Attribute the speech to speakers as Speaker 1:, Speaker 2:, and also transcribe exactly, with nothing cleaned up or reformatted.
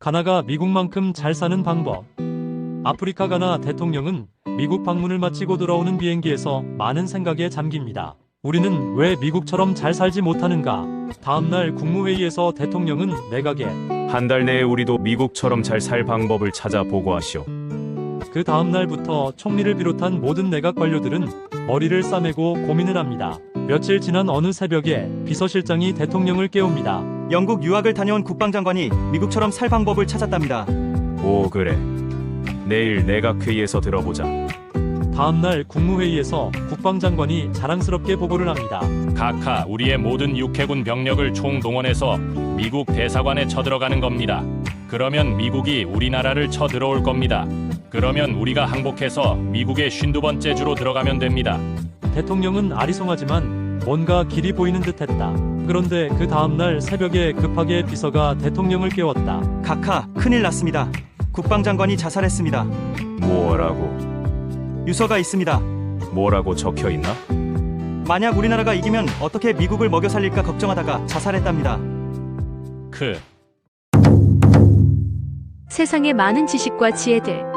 Speaker 1: 가나가 미국만큼 잘 사는 방법. 아프리카 가나 대통령은 미국 방문을 마치고 돌아오는 비행기에서 많은 생각에 잠깁니다. 우리는 왜 미국처럼 잘 살지 못하는가? 다음날 국무회의에서 대통령은 내각에
Speaker 2: 한 달 내에 우리도 미국처럼 잘 살 방법을 찾아 보고하시오.
Speaker 1: 그 다음날부터 총리를 비롯한 모든 내각 관료들은 머리를 싸매고 고민을 합니다. 며칠 지난 어느 새벽에 비서실장이 대통령을 깨웁니다.
Speaker 3: 영국 유학을 다녀온 국방장관이 미국처럼 살 방법을 찾았답니다.
Speaker 2: 오, 그래. 내일 내각회의에서 들어보자.
Speaker 1: 다음날 국무회의에서 국방장관이 자랑스럽게 보고를 합니다.
Speaker 4: 각하 우리의 모든 육해군 병력을 총동원해서 미국 대사관에 쳐들어가는 겁니다. 그러면 미국이 우리나라를 쳐들어올 겁니다. 그러면 우리가 항복해서 미국의 쉰두 번째 주로 들어가면 됩니다.
Speaker 1: 대통령은 아리송하지만 뭔가 길이 보이는 듯했다. 그런데 그 다음날 새벽에 급하게 비서가 대통령을 깨웠다.
Speaker 3: 각하, 큰일 났습니다. 국방장관이 자살했습니다.
Speaker 2: 뭐라고?
Speaker 3: 유서가 있습니다.
Speaker 2: 뭐라고 적혀 있나?
Speaker 3: 만약 우리나라가 이기면 어떻게 미국을 먹여 살릴까 걱정하다가 자살했답니다.
Speaker 4: 크
Speaker 5: 세상의 많은 지식과 지혜들